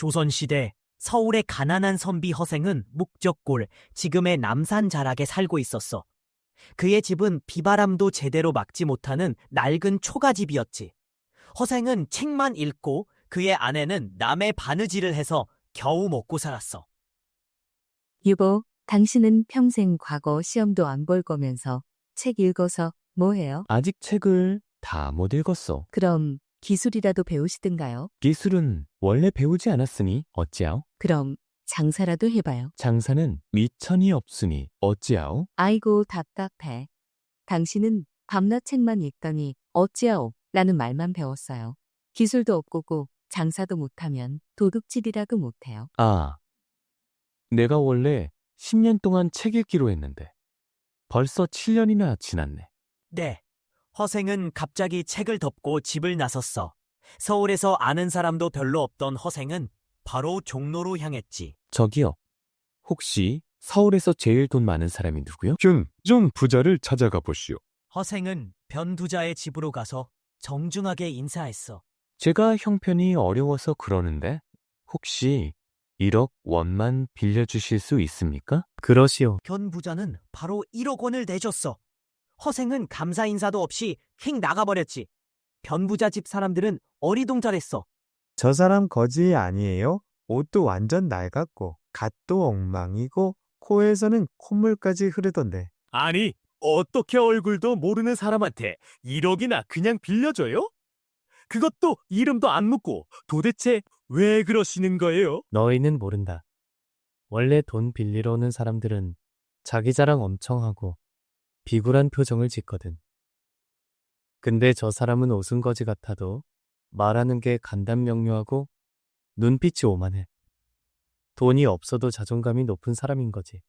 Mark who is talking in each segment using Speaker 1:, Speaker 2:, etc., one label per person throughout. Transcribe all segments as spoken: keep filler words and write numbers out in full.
Speaker 1: 조선시대 서울의 가난한 선비 허생은 묵적골, 지금의 남산 자락에 살고 있었어. 그의 집은 비바람도 제대로 막지 못하는 낡은 초가집이었지. 허생은 책만 읽고 그의 아내는 남의 바느질을 해서 겨우 먹고 살았어.
Speaker 2: 유보, 당신은 평생 과거 시험도 안 볼 거면서 책 읽어서 뭐 해요?
Speaker 3: 아직 책을 다 못 읽었어.
Speaker 2: 그럼 기술이라도 배우시든가요?
Speaker 3: 기술은 원래 배우지 않았으니 어찌하오?
Speaker 2: 그럼 장사라도 해봐요.
Speaker 3: 장사는 미천이 없으니 어찌하오?
Speaker 2: 아이고 답답해. 당신은 밤낮 책만 읽더니 어찌하오? 라는 말만 배웠어요. 기술도 없고 장사도 못하면 도둑질이라도 못해요.
Speaker 3: 아, 내가 원래 십 년 동안 책 읽기로 했는데 벌써 칠 년이나 지났네.
Speaker 1: 네. 허생은 갑자기 책을 덮고 집을 나섰어. 서울에서 아는 사람도 별로 없던 허생은 바로 종로로 향했지.
Speaker 3: 저기요, 혹시 서울에서 제일 돈 많은 사람이 누구요?
Speaker 4: 균, 좀 부자를 찾아가 보시오.
Speaker 1: 허생은 변두자의 집으로 가서 정중하게 인사했어.
Speaker 3: 제가 형편이 어려워서 그러는데 혹시 일억 원만 빌려주실 수 있습니까? 그러시오.
Speaker 1: 변부자는 바로 일억 원을 내줬어. 허생은 감사 인사도 없이 휙 나가버렸지. 변부자 집 사람들은 어리둥절했어.
Speaker 5: 저 사람 거지 아니에요? 옷도 완전 낡았고 갓도 엉망이고 코에서는 콧물까지 흐르던데.
Speaker 4: 아니, 어떻게 얼굴도 모르는 사람한테 일억이나 그냥 빌려줘요? 그것도 이름도 안 묻고 도대체 왜 그러시는 거예요?
Speaker 6: 너희는 모른다. 원래 돈 빌리러 오는 사람들은 자기 자랑 엄청 하고 비굴한 표정을 짓거든. 근데 저 사람은 오순거지 같아도 말하는 게 간단명료하고 눈빛이 오만해. 돈이 없어도 자존감이 높은 사람인 거지.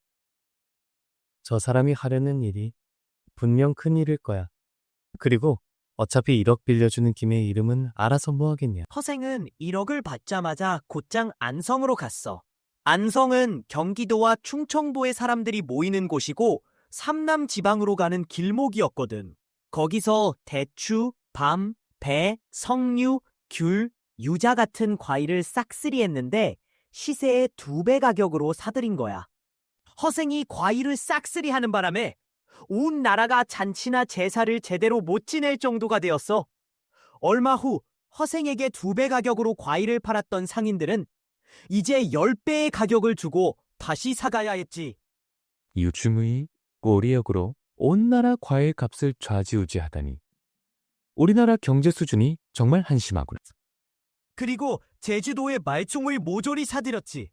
Speaker 6: 저 사람이 하려는 일이 분명 큰 일일 거야. 그리고 어차피 일억 빌려주는 김에 이름은 알아서 뭐 하겠냐.
Speaker 1: 허생은 일억을 받자마자 곧장 안성으로 갔어. 안성은 경기도와 충청도의 사람들이 모이는 곳이고 삼남 지방으로 가는 길목이었거든. 거기서 대추, 밤, 배, 석류, 귤, 유자 같은 과일을 싹쓸이 했는데 시세의 두 배 가격으로 사들인 거야. 허생이 과일을 싹쓸이 하는 바람에 온 나라가 잔치나 제사를 제대로 못 지낼 정도가 되었어. 얼마 후 허생에게 두 배 가격으로 과일을 팔았던 상인들은 이제 열 배의 가격을 주고 다시 사가야 했지.
Speaker 3: 요즘의 꼬리역으로 온 나라 과일 값을 좌지우지하다니. 우리나라 경제 수준이 정말 한심하구나.
Speaker 1: 그리고 제주도의 말총을 모조리 사들였지.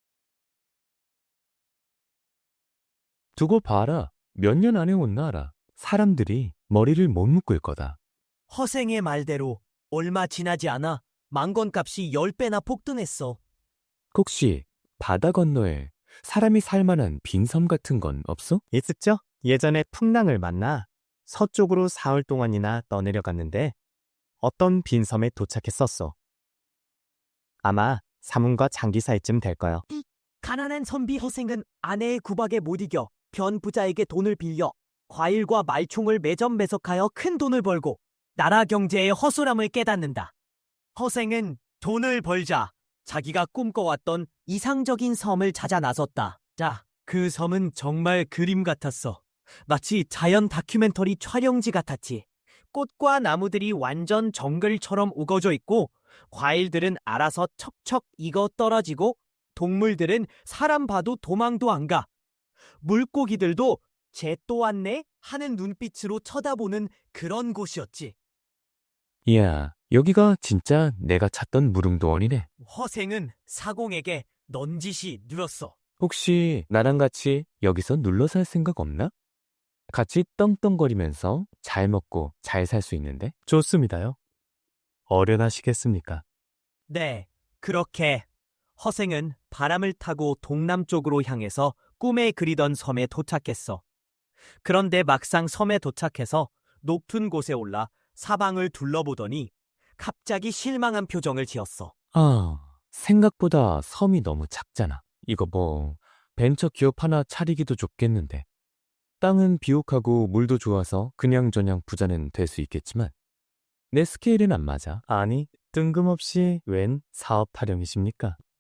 Speaker 3: 두고 봐라. 몇 년 안에 온 나라. 사람들이 머리를 못 묶을 거다.
Speaker 1: 허생의 말대로 얼마 지나지 않아 망건값이 열 배나 폭등했어.
Speaker 3: 혹시 바다 건너에 사람이 살만한 빈섬 같은 건 없어?
Speaker 6: 있었죠? 예전에 풍랑을 만나 서쪽으로 사흘 동안이나 떠내려갔는데 어떤 빈섬에 도착했었어. 아마 사문과 장기사이쯤 될 거요.
Speaker 1: 가난한 선비 허생은 아내의 구박에 못 이겨 변부자에게 돈을 빌려 과일과 말총을 매점매석하여 큰 돈을 벌고 나라 경제의 허술함을 깨닫는다. 허생은 돈을 벌자 자기가 꿈꿔왔던 이상적인 섬을 찾아 나섰다. 자, 그 섬은 정말 그림 같았어. 마치 자연 다큐멘터리 촬영지 같았지. 꽃과 나무들이 완전 정글처럼 우거져 있고 과일들은 알아서 척척 익어 떨어지고 동물들은 사람 봐도 도망도 안 가. 물고기들도 쟤 또 왔네? 하는 눈빛으로 쳐다보는 그런 곳이었지.
Speaker 3: 이야, 여기가 진짜 내가 찾던 무릉도원이네.
Speaker 1: 허생은 사공에게 넌지시 누렸어.
Speaker 3: 혹시 나랑 같이 여기서 눌러 살 생각 없나? 같이 떵떵거리면서 잘 먹고 잘 살 수 있는데?
Speaker 6: 좋습니다요. 어련하시겠습니까?
Speaker 1: 네, 그렇게 허생은 바람을 타고 동남쪽으로 향해서 꿈에 그리던 섬에 도착했어. 그런데 막상 섬에 도착해서 높은 곳에 올라 사방을 둘러보더니 갑자기 실망한 표정을 지었어.
Speaker 3: 아, 생각보다 섬이 너무 작잖아. 이거 뭐 벤처 기업 하나 차리기도 좋겠는데. 땅은 비옥하고 물도 좋아서 그냥저냥 부자는 될 수 있겠지만 내 스케일은 안 맞아.
Speaker 6: 아니, 뜬금없이 웬 사업 타령이십니까?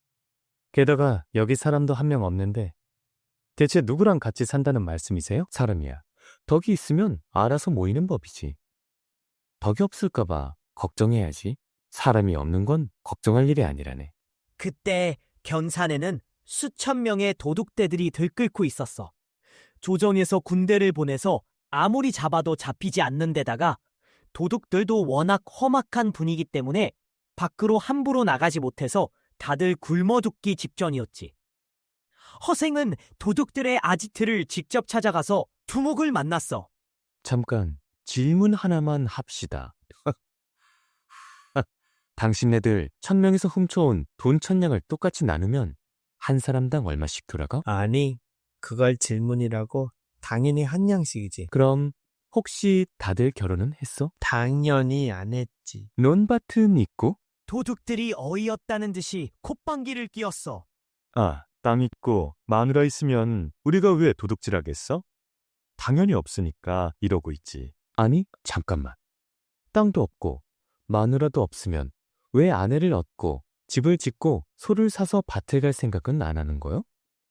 Speaker 6: 게다가 여기 사람도 한 명 없는데 대체 누구랑 같이 산다는 말씀이세요?
Speaker 3: 사람이야. 덕이 있으면 알아서 모이는 법이지. 덕이 없을까봐 걱정해야지. 사람이 없는 건 걱정할 일이 아니라네.
Speaker 1: 그때 견산에는 수천 명의 도둑대들이 들끓고 있었어. 조정에서 군대를 보내서 아무리 잡아도 잡히지 않는 데다가 도둑들도 워낙 험악한 분위기 때문에 밖으로 함부로 나가지 못해서 다들 굶어 죽기 직전이었지. 허생은 도둑들의 아지트를 직접 찾아가서 두목을 만났어.
Speaker 3: 잠깐 질문 하나만 합시다. 당신네들 천 명에서 훔쳐온 돈 천냥을 똑같이 나누면 한 사람당 얼마씩 돌아가?
Speaker 5: 아니, 그걸 질문이라고? 당연히 한 양씩이지.
Speaker 3: 그럼 혹시 다들 결혼은 했어?
Speaker 5: 당연히 안 했지.
Speaker 3: 논밭은 있고?
Speaker 1: 도둑들이 어이없다는 듯이 콧방귀를 뀌었어.
Speaker 7: 아, 땅 있고 마누라 있으면 우리가 왜 도둑질하겠어? 당연히 없으니까 이러고 있지.
Speaker 3: 아니, 잠깐만. 땅도 없고 마누라도 없으면 왜 아내를 얻고 집을 짓고 소를 사서 밭을 갈 생각은 안 하는 거요?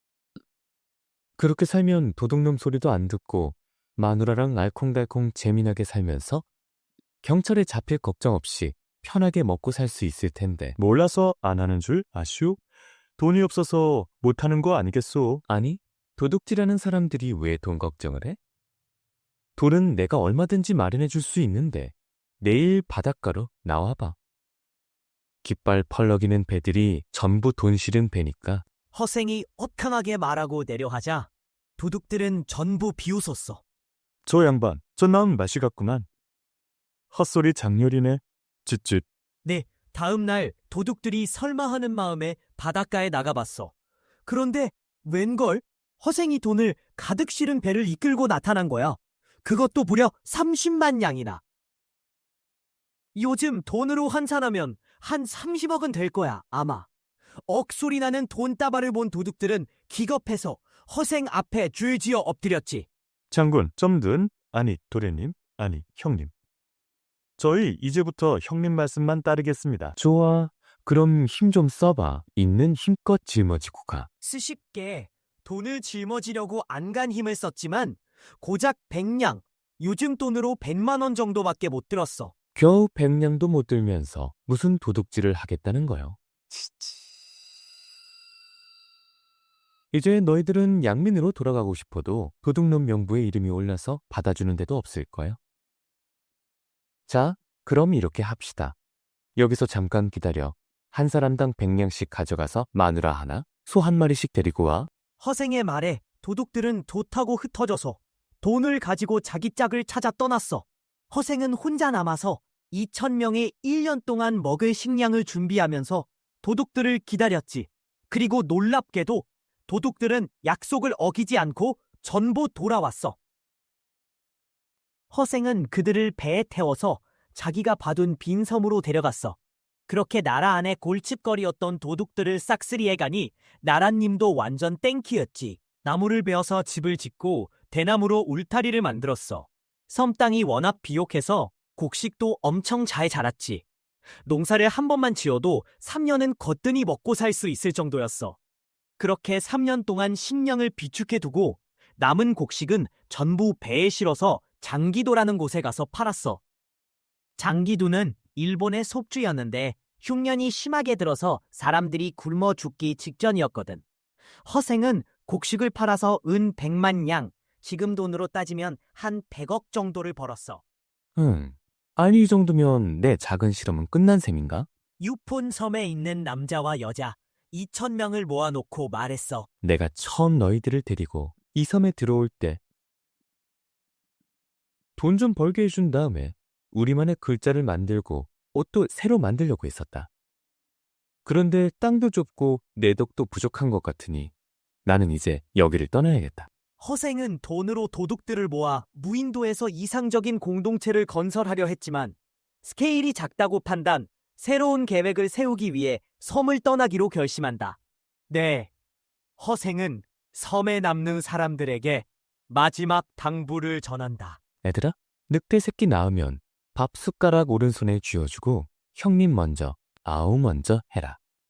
Speaker 3: 그렇게 살면 도둑놈 소리도 안 듣고 마누라랑 알콩달콩 재미나게 살면서 경찰에 잡힐 걱정 없이 편하게 먹고 살 수 있을 텐데.
Speaker 7: 몰라서 안 하는 줄 아슈? 돈이 없어서 못하는 거 아니겠소?
Speaker 3: 아니, 도둑질하는 사람들이 왜 돈 걱정을 해? 돈은 내가 얼마든지 마련해 줄 수 있는데 내일 바닷가로 나와봐. 깃발 펄럭이는 배들이 전부 돈 실은 배니까.
Speaker 1: 허생이 허탕하게 말하고 내려하자 도둑들은 전부 비웃었어.
Speaker 7: 저 양반, 저 나은 맛이 같구만. 헛소리 장렬이네. 쯧쯧.
Speaker 1: 다음 날 도둑들이 설마하는 마음에 바닷가에 나가봤어. 그런데 웬걸? 허생이 돈을 가득 실은 배를 이끌고 나타난 거야. 그것도 무려 삼십만 양이나. 요즘 돈으로 환산하면 한 삼십억은 될 거야, 아마. 억소리 나는 돈다발을 본 도둑들은 기겁해서 허생 앞에 줄지어 엎드렸지.
Speaker 7: 장군, 점든. 아니, 도련님. 아니, 형님. 저희 이제부터 형님 말씀만 따르겠습니다.
Speaker 3: 좋아. 그럼 힘 좀 써봐. 있는 힘껏 짊어지고 가.
Speaker 1: 스십게 돈을 짊어지려고 안간 힘을 썼지만 고작 백냥, 요즘 돈으로 백만 원 정도밖에 못 들었어.
Speaker 3: 겨우 백냥도 못 들면서 무슨 도둑질을 하겠다는 거요. 이제 너희들은 양민으로 돌아가고 싶어도 도둑놈 명부에 이름이 올라서 받아주는 데도 없을 거요. 자, 그럼 이렇게 합시다. 여기서 잠깐 기다려. 한 사람당 백냥씩 가져가서 마누라 하나, 소 한 마리씩 데리고 와.
Speaker 1: 허생의 말에 도둑들은 도타고 흩어져서 돈을 가지고 자기 짝을 찾아 떠났어. 허생은 혼자 남아서 이천 명의 일 년 동안 먹을 식량을 준비하면서 도둑들을 기다렸지. 그리고 놀랍게도 도둑들은 약속을 어기지 않고 전부 돌아왔어. 허생은 그들을 배에 태워서 자기가 봐둔 빈 섬으로 데려갔어. 그렇게 나라 안에 골칫거리였던 도둑들을 싹쓸이해 가니 나라님도 완전 땡키였지. 나무를 베어서 집을 짓고 대나무로 울타리를 만들었어. 섬 땅이 워낙 비옥해서 곡식도 엄청 잘 자랐지. 농사를 한 번만 지어도 삼 년은 거뜬히 먹고 살 수 있을 정도였어. 그렇게 삼 년 동안 식량을 비축해 두고 남은 곡식은 전부 배에 실어서 장기도라는 곳에 가서 팔았어. 장기도는 일본의 속주였는데 흉년이 심하게 들어서 사람들이 굶어 죽기 직전이었거든. 허생은 곡식을 팔아서 은 백만 양, 지금 돈으로 따지면 한 백억 정도를 벌었어.
Speaker 3: 응. 아니, 이 정도면 내 작은 실험은 끝난 셈인가?
Speaker 1: 유폰 섬에 있는 남자와 여자 이천 명을 모아놓고 말했어.
Speaker 3: 내가 처음 너희들을 데리고 이 섬에 들어올 때 돈 좀 벌게 해준 다음에 우리만의 글자를 만들고 옷도 새로 만들려고 했었다. 그런데 땅도 좁고 내덕도 부족한 것 같으니 나는 이제 여기를 떠나야겠다.
Speaker 1: 허생은 돈으로 도둑들을 모아 무인도에서 이상적인 공동체를 건설하려 했지만 스케일이 작다고 판단, 새로운 계획을 세우기 위해 섬을 떠나기로 결심한다. 네, 허생은 섬에 남는 사람들에게 마지막 당부를 전한다.
Speaker 3: 애들아, 늑대 새끼 낳으면 밥 숟가락 오른손에 쥐어주고 형님 먼저, 아우 먼저 해라.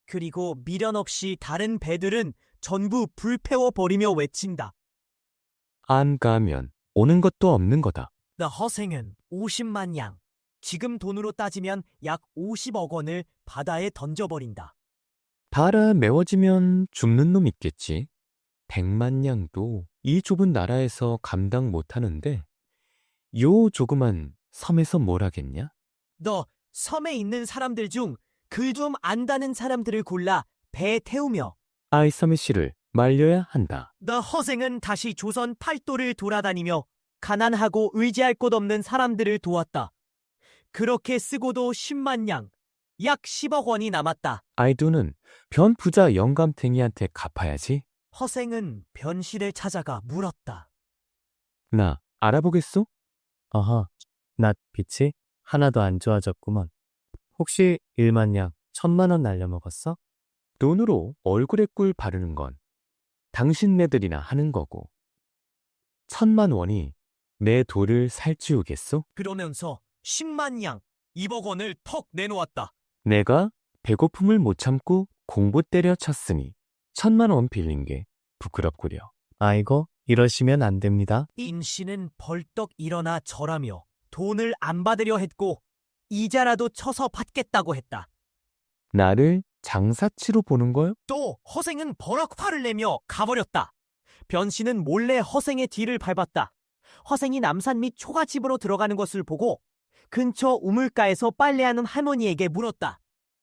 Speaker 1: 그리고 미련 없이 다른 배들은 전부 불태워버리며 외친다.
Speaker 3: 안 가면 오는 것도 없는 거다.
Speaker 1: The 허생은 오십만 양, 지금 돈으로 따지면 약 오십억 원을 바다에 던져버린다.
Speaker 3: 바라 메워지면 죽는 놈 있겠지. 백만 냥도 이 좁은 나라에서 감당 못하는데 요 조그만 섬에서 뭘 하겠냐?
Speaker 1: 너 섬에 있는 사람들 중 글 좀 안다는 사람들을 골라 배에 태우며
Speaker 3: 아이섬의 씨를 말려야 한다.
Speaker 1: 너 허생은 다시 조선 팔도를 돌아다니며 가난하고 의지할 곳 없는 사람들을 도왔다. 그렇게 쓰고도 십만 양, 약 십억 원이 남았다.
Speaker 3: 아이두는 변 부자 영감탱이한테 갚아야지.
Speaker 1: 허생은 변씨를 찾아가 물었다.
Speaker 3: 나 알아보겠소?
Speaker 6: 아하, 낫 빛이 하나도 안 좋아졌구먼. 혹시 일만 양, 천만 원 날려먹었어?
Speaker 3: 돈으로 얼굴에 꿀 바르는 건 당신네들이나 하는 거고. 천만 원이 내 돌을 살찌우겠소?
Speaker 1: 그러면서 십만 양, 이억 원을 턱 내놓았다.
Speaker 3: 내가 배고픔을 못 참고 공부 때려쳤으니 천만 원 빌린 게 부끄럽구려.
Speaker 6: 아이고, 이러시면 안 됩니다.
Speaker 1: 인씨는 벌떡 일어나 절하며 돈을 안 받으려 했고 이자라도 쳐서 받겠다고 했다.
Speaker 3: 나를 장사치로 보는 거요?
Speaker 1: 또 허생은 버럭 화를 내며 가버렸다. 변씨는 몰래 허생의 뒤를 밟았다. 허생이 남산 및 초가집으로 들어가는 것을 보고 근처 우물가에서 빨래하는 할머니에게 물었다.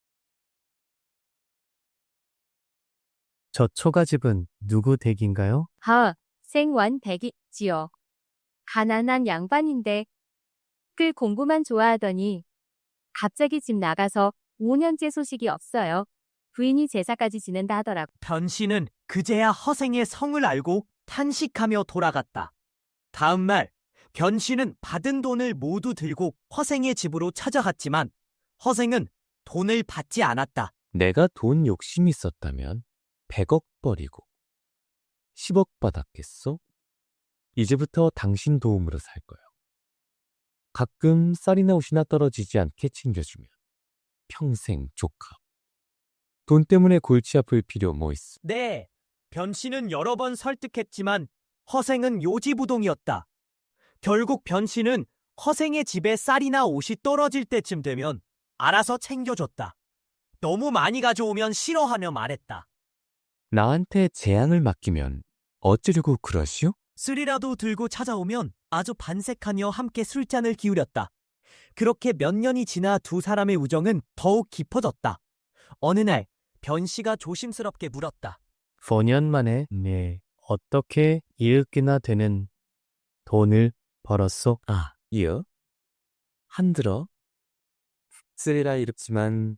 Speaker 6: 저 초가집은 누구 댁인가요?
Speaker 8: 하, 생완 댁이지요. 가난한 양반인데 글 공부만 좋아하더니 갑자기 집 나가서 오 년째 소식이 없어요. 부인이 제사까지 지낸다 하더라고.
Speaker 1: 변씨는 그제야 허생의 성을 알고 탄식하며 돌아갔다. 다음 날 변씨는 받은 돈을 모두 들고 허생의 집으로 찾아갔지만 허생은 돈을 받지 않았다.
Speaker 3: 내가 돈 욕심이 있었다면 백억 버리고 십억 받았겠소? 이제부터 당신 도움으로 살 거요. 가끔 쌀이나 옷이나 떨어지지 않게 챙겨주면 평생 조카. 돈 때문에 골치 아플 필요 뭐 있어?
Speaker 1: 네, 변씨는 여러 번 설득했지만 허생은 요지부동이었다. 결국 변씨는 허생의 집에 쌀이나 옷이 떨어질 때쯤 되면 알아서 챙겨줬다. 너무 많이 가져오면 싫어하며 말했다.
Speaker 3: 나한테 재앙을 맡기면 어쩌려고 그러시오?
Speaker 1: 술이라도 들고 찾아오면 아주 반색하며 함께 술잔을 기울였다. 그렇게 몇 년이 지나 두 사람의 우정은 더욱 깊어졌다. 어느 날 변씨가 조심스럽게 물었다.
Speaker 6: 오 년 만에 네 어떻게 이윽기나 되는 돈을 벌었소?
Speaker 3: 아, 이어? 한들어? 쓰리라 이렇지만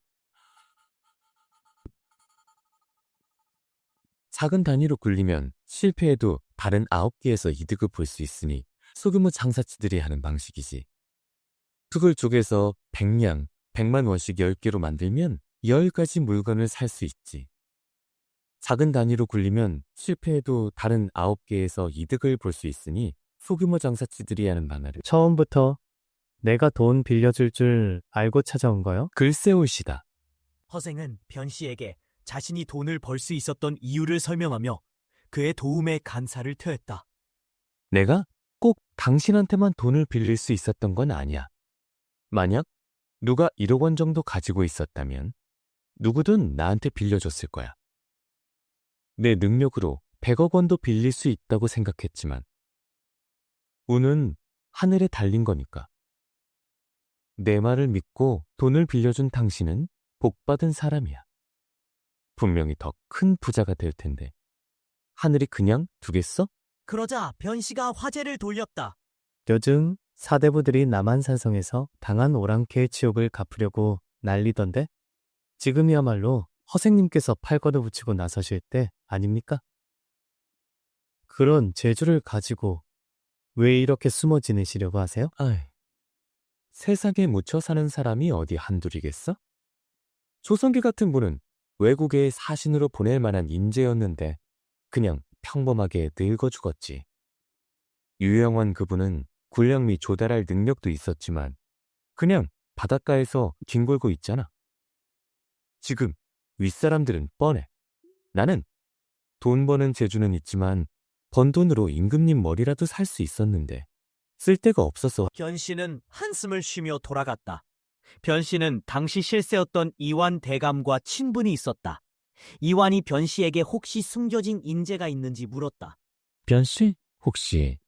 Speaker 3: 작은 단위로 굴리면 실패해도 다른 아홉 개에서 이득을 볼 수 있으니 소규모 장사치들이 하는 방식이지. 그걸 쪼개서 백냥, 백만 원씩 열 개로 만들면 열 가지 물건을 살 수 있지. 작은 단위로 굴리면 실패해도 다른 아홉 개에서 이득을 볼 수 있으니 소규모 장사치들이 하는 만화를.
Speaker 6: 처음부터 내가 돈 빌려줄 줄 알고 찾아온 거요?
Speaker 3: 글쎄 올시다.
Speaker 1: 허생은 변씨에게 자신이 돈을 벌 수 있었던 이유를 설명하며 그의 도움에 감사를 표했다.
Speaker 3: 내가 꼭 당신한테만 돈을 빌릴 수 있었던 건 아니야. 만약 누가 일억 원 정도 가지고 있었다면 누구든 나한테 빌려줬을 거야. 내 능력으로 백억 원도 빌릴 수 있다고 생각했지만 운은 하늘에 달린 거니까. 내 말을 믿고 돈을 빌려준 당신은 복받은 사람이야. 분명히 더 큰 부자가 될 텐데 하늘이 그냥 두겠어?
Speaker 1: 그러자 변씨가 화제를 돌렸다.
Speaker 6: 요즘 사대부들이 남한산성에서 당한 오랑캐의 치욕을 갚으려고 난리던데? 지금이야말로 허생님께서 팔걸음 붙이고 나서실 때 아닙니까? 그런 재주를 가지고 왜 이렇게 숨어 지내시려고 하세요?
Speaker 3: 아이, 세상에 묻혀 사는 사람이 어디 한둘이겠어? 조선기 같은 분은 외국의 사신으로 보낼 만한 인재였는데 그냥 평범하게 늙어 죽었지. 유영원 그분은 군량미 조달할 능력도 있었지만 그냥 바닷가에서 뒹굴고 있잖아. 지금 윗사람들은 뻔해. 나는 돈 버는 재주는 있지만 번 돈으로 임금님 머리라도 살 수 있었는데 쓸 데가 없어서.
Speaker 1: 변씨는 한숨을 쉬며 돌아갔다. 변씨는 당시 실세였던 이완 대감과 친분이 있었다. 이완이 변씨에게 혹시 숨겨진 인재가 있는지 물었다.
Speaker 3: 변씨, 혹시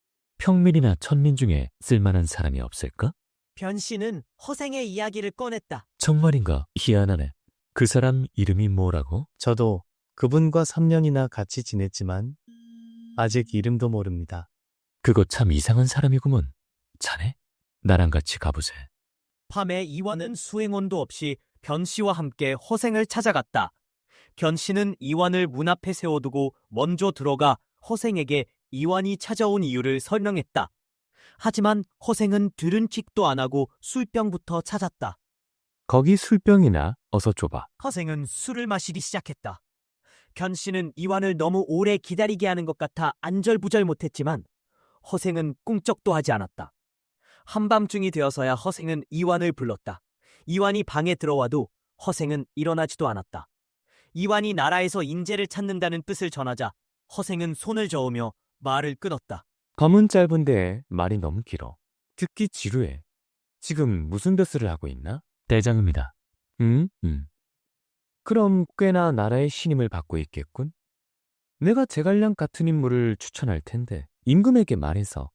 Speaker 3: 평민이나 천민 중에 쓸만한 사람이 없을까?
Speaker 1: 변씨는 허생의 이야기를 꺼냈다.
Speaker 3: 정말인가? 희한하네. 그 사람 이름이 뭐라고?
Speaker 6: 저도 그분과 삼 년이나 같이 지냈지만 아직 이름도 모릅니다.
Speaker 3: 그거 참 이상한 사람이구먼. 자네? 나랑 같이 가보세.
Speaker 1: 밤에 이완은 수행원도 없이 변씨와 함께 허생을 찾아갔다. 변씨는 이완을 문 앞에 세워두고 먼저 들어가 허생에게 이완이 찾아온 이유를 설명했다. 하지만 허생은 들은 킥도 안 하고 술병부터 찾았다.
Speaker 3: 거기 술병이나 어서 줘봐.
Speaker 1: 허생은 술을 마시기 시작했다. 변씨는 이완을 너무 오래 기다리게 하는 것 같아 안절부절 못했지만 허생은 꿈쩍도 하지 않았다. 한밤중이 되어서야 허생은 이완을 불렀다. 이완이 방에 들어와도 허생은 일어나지도 않았다. 이완이 나라에서 인재를 찾는다는 뜻을 전하자 허생은 손을 저으며 말을 끊었다.
Speaker 3: 검은 짧은데 말이 너무 길어. 듣기 지루해. 지금 무슨 벼슬을 하고 있나? 대장입니다. 음? 음. 그럼 꽤나 나라의 신임을 받고 있겠군. 내가 제갈량 같은 인물을 추천할 텐데 임금에게 말해서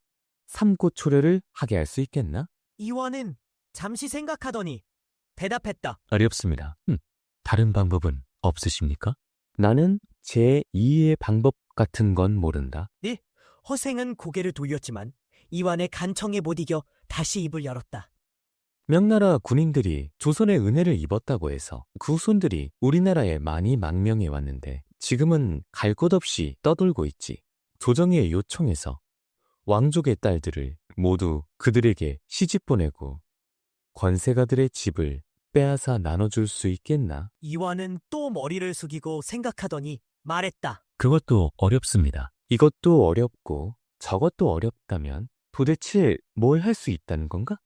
Speaker 3: 삼고초려를 하게 할 수 있겠나?
Speaker 1: 이완은 잠시 생각하더니 대답했다.
Speaker 3: 어렵습니다. 음. 다른 방법은 없으십니까? 나는 제이의 방법 같은 건 모른다.
Speaker 1: 허생은 고개를 돌렸지만 이완의 간청에 못 이겨 다시 입을 열었다.
Speaker 3: 명나라 군인들이 조선의 은혜를 입었다고 해서 그 후손들이 우리나라에 많이 망명해 왔는데 지금은 갈 곳 없이 떠돌고 있지. 조정의 요청에서 왕족의 딸들을 모두 그들에게 시집 보내고 권세가들의 집을 빼앗아 나눠줄 수 있겠나?
Speaker 1: 이완은 또 머리를 숙이고 생각하더니 말했다.
Speaker 3: 그것도 어렵습니다. 이것도 어렵고 저것도 어렵다면 도대체 뭘 할 수 있다는 건가?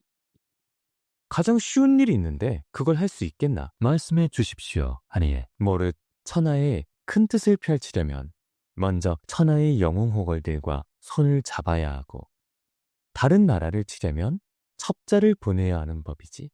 Speaker 3: 가장 쉬운 일이 있는데 그걸 할 수 있겠나? 말씀해 주십시오, 아니에. 모릇 천하의 큰 뜻을 펼치려면 먼저 천하의 영웅호걸들과 손을 잡아야 하고 다른 나라를 치려면 첩자를 보내야 하는 법이지.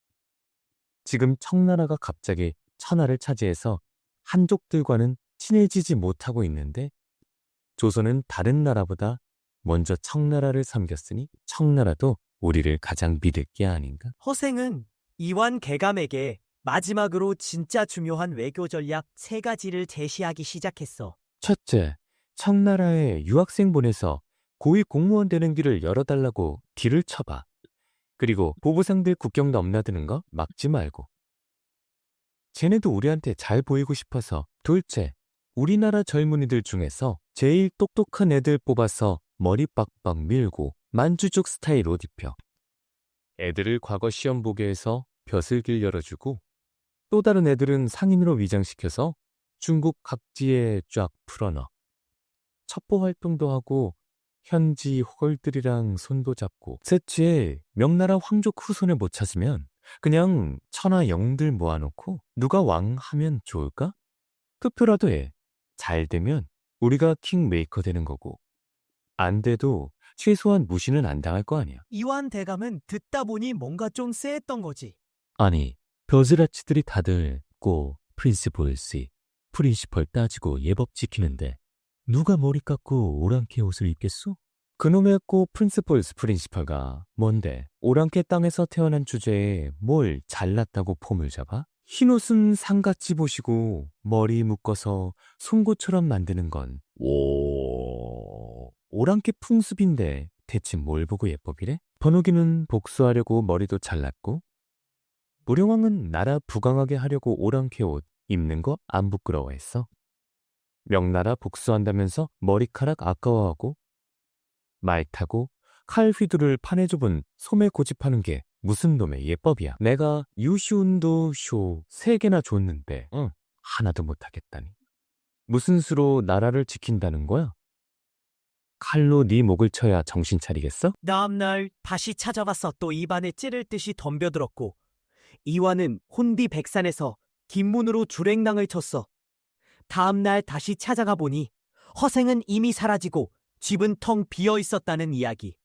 Speaker 3: 지금 청나라가 갑자기 천하를 차지해서 한족들과는 친해지지 못하고 있는데 조선은 다른 나라보다 먼저 청나라를 섬겼으니 청나라도 우리를 가장 믿을 게 아닌가?
Speaker 1: 허생은 이완 개감에게 마지막으로 진짜 중요한 외교 전략 세 가지를 제시하기 시작했어.
Speaker 3: 첫째, 청나라에 유학생 보내서 고위 공무원 되는 길을 열어달라고 딜을 쳐봐. 그리고 보부상들 국경 넘나드는 거 막지 말고. 쟤네도 우리한테 잘 보이고 싶어서. 둘째, 우리나라 젊은이들 중에서 제일 똑똑한 애들 뽑아서 머리 빡빡 밀고 만주족 스타일 옷 입혀. 애들을 과거 시험 보게 해서 벼슬길 열어주고 또 다른 애들은 상인으로 위장시켜서 중국 각지에 쫙 풀어넣어. 첩보 활동도 하고 현지 호걸들이랑 손도 잡고. 셋째, 명나라 황족 후손을 못 찾으면 그냥 천하 영웅들 모아놓고 누가 왕 하면 좋을까? 투표라도 해. 잘 되면 우리가 킹메이커 되는 거고 안 돼도 최소한 무시는 안 당할 거 아니야.
Speaker 1: 이완 대감은 듣다 보니 뭔가 좀 쎄했던 거지.
Speaker 3: 아니, 벼슬아치들이 다들 꼭 프린시폴시, 프린시펄 따지고 예법 지키는데 누가 머리 깎고 오랑캐 옷을 입겠소? 그놈의 꼭 프린시폴스 프린시펄가 뭔데 오랑캐 땅에서 태어난 주제에 뭘 잘났다고 폼을 잡아? 흰옷은 상같이 보시고 머리 묶어서 송곳처럼 만드는 건 오... 오랑캐 풍습인데 대체 뭘 보고 예법이래? 번호기는 복수하려고 머리도 잘랐고 무령왕은 나라 부강하게 하려고 오랑캐 옷 입는 거 안 부끄러워했어. 명나라 복수한다면서 머리카락 아까워하고 말 타고 칼 휘두를 판에 좁은 소매 고집하는 게 무슨 놈의 예법이야. 내가 유시운도 쇼 세 개나 줬는데 응, 하나도 못하겠다니. 무슨 수로 나라를 지킨다는 거야? 칼로 네 목을 쳐야 정신 차리겠어?
Speaker 1: 다음날 다시 찾아와서 또 입안에 찌를 듯이 덤벼들었고 이완은 혼비백산에서 뒷문으로 주랭랑을 쳤어. 다음날 다시 찾아가 보니 허생은 이미 사라지고 집은 텅 비어 있었다는 이야기.